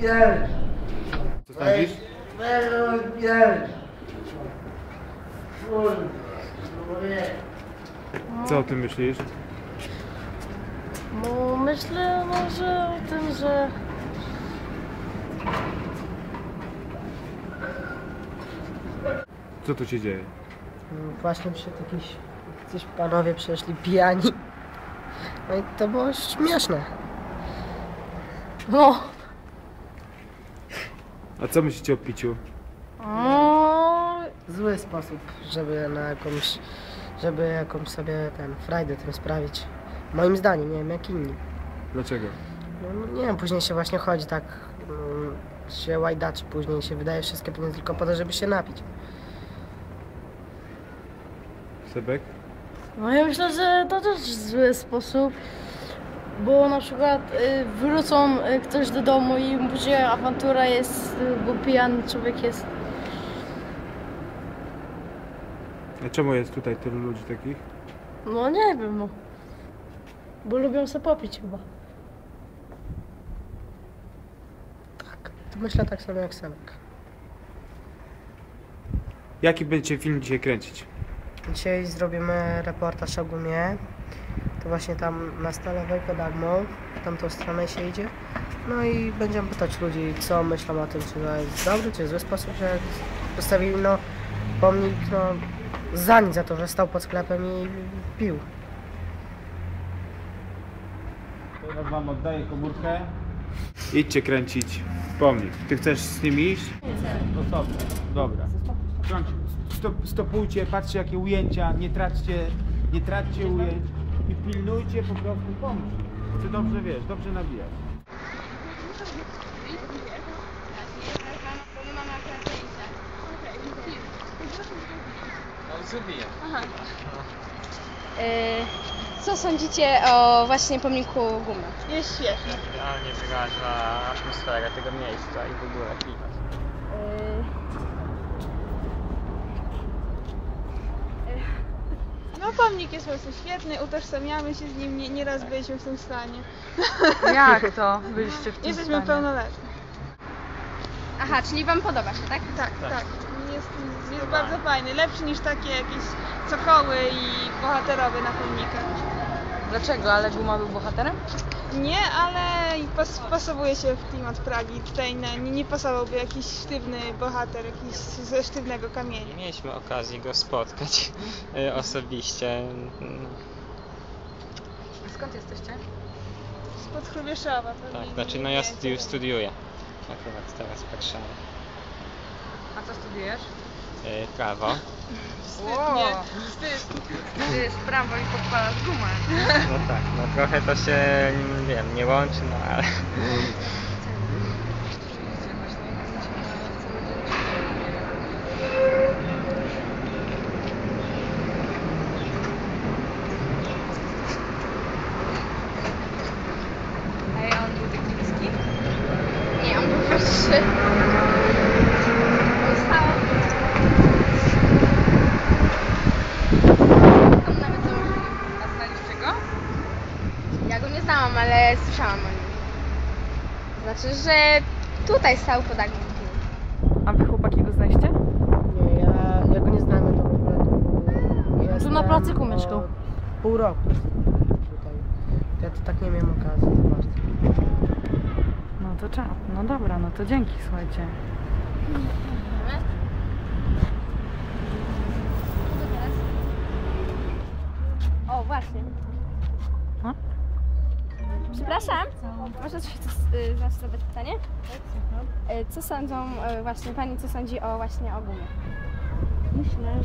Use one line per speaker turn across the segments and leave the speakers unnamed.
Co sądzisz? Co o tym myślisz?
No myślę może o tym, że
Co tu się dzieje?
Właśnie przed jacyś panowie przeszli pijani. No i to było śmieszne.
no.
A co myślicie o piciu?
Zły sposób, żeby jakąś sobie frajdę tym sprawić. Moim zdaniem, nie wiem jak inni.
Dlaczego?
No, nie wiem, później się właśnie chodzi tak, się łajdaczy, później się wydaje wszystkie pieniądze tylko po to, żeby się napić.
Sebek?
No ja myślę, że to też zły sposób, bo na przykład wrócą ktoś do domu i później awantura jest, bo pijany człowiek jest.
A czemu jest tutaj tylu ludzi takich?
No nie wiem, no. Bo lubią sobie popić chyba.
Tak, to myślę tak samo jak Sebek.
Jaki będziecie film dzisiaj kręcić?
Dzisiaj zrobimy reportaż o gumie. To właśnie tam na Stalowej pod Agmą, w tamtą stronę się idzie. No i będziemy pytać ludzi, co myślą o tym, czy to jest dobry, czy zły sposób, że postawili pomnik za nic, za to, że stał pod sklepem i pił.
Teraz wam oddaję komórkę. Idźcie kręcić pomnik. Ty chcesz z nimi iść? Osobno. Dobra. Stopujcie, patrzcie jakie ujęcia, nie traćcie ujęć i pilnujcie po prostu pomnik. Ty dobrze wiesz, dobrze nabijasz.
Co sądzicie o właśnie pomniku Gumy?
Jest świetnie. Idealnie wyraża atmosferę tego miejsca i w ogóle klimat.
No pomnik jest po prostu świetny, utożsamiamy się z nim, nieraz byliśmy w tym stanie.
Jak to byliście w tym
Jesteśmy
stanie?
pełnoletni.
Aha, czyli wam podoba się, tak?
Tak. Jest bardzo fajny, lepszy niż takie jakieś cokoły i bohaterowie na pomnikach.
Dlaczego? Ale Guma był bohaterem?
Nie, ale pasowuje się w klimat Pragi. Tutaj nie pasowałby jakiś sztywny bohater, jakiś ze sztywnego kamienia.
Mieliśmy okazję go spotkać osobiście.
Skąd jesteście?
Spod Chrubieszowa pewnie.
Tak, znaczy no ja studiuję akurat teraz w Warszawie.
A co studiujesz?
Prawo.
Wstydnie.
Ty z prawo i podpalasz gumę.
No tak, no trochę to się, wiem, nie łączy, no ale...
A on był taki niski?
Nie, on był wyższy. On stał. On nawet założyli.
A znaliście go?
Ja go nie znałam, ale słyszałam o nim. Znaczy, że tutaj stał pod Agnią.
A wy chłopaki go znaliście?
Nie, ja go nie znałem, to w ogóle
Tu na placyku mieszkał.
Pół roku tutaj. Ja to tak nie miałem okazji zobaczyć.
No to czap. No dobra, no to dzięki, słuchajcie.
O, właśnie.
No?
Przepraszam, można coś zadać pytanie? Co sądzą właśnie pani, co sądzi o właśnie o Gumie?
Myślę,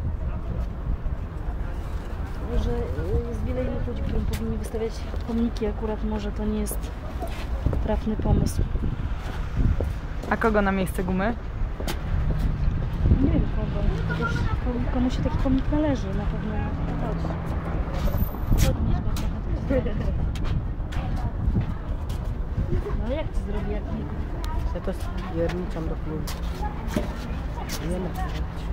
że jest wiele innych ludzi, którym powinni wystawiać pomniki. Akurat może to nie jest trafny pomysł.
A kogo na miejsce Gumy?
Nie wiem kogo. Chociaż komu się taki pomnik należy, na pewno. No ale jak to zrobi, jak nie?
Ja to stwierniczam do klubu. Nie ma co robić.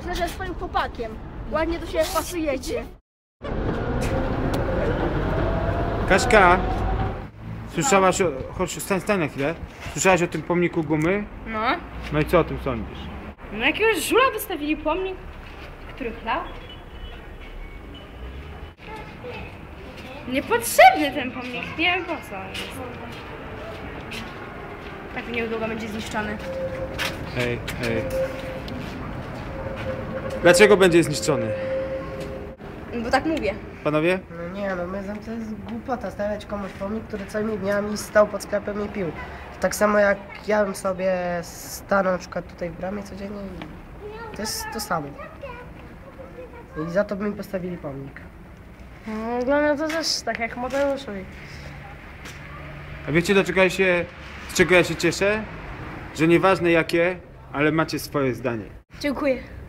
Myślę, że jest swoim chłopakiem. Ładnie do siebie pasujecie.
Kaśka, słyszałaś o... Chodź, stań na chwilę. Słyszałaś o tym pomniku gumy?
No.
No i co o tym sądzisz?
No jakiegoś żula wystawili pomnik, który chlał. Niepotrzebny ten pomnik, nie wiem po co on jest. Tak niedługo będzie zniszczony.
Hej. Dlaczego będzie zniszczony?
Bo tak mówię.
Panowie?
No nie, no my to jest głupota stawiać komuś pomnik, który całymi dniami stał pod sklepem i pił. Tak samo jak ja bym sobie stanął na przykład tutaj w bramie codziennie i to jest to samo. I za to by mi postawili pomnik.
No, dla mnie to też tak jak Mateuszowi.
A wiecie z czego ja się cieszę? Że nieważne jakie, ale macie swoje zdanie.
Dziękuję.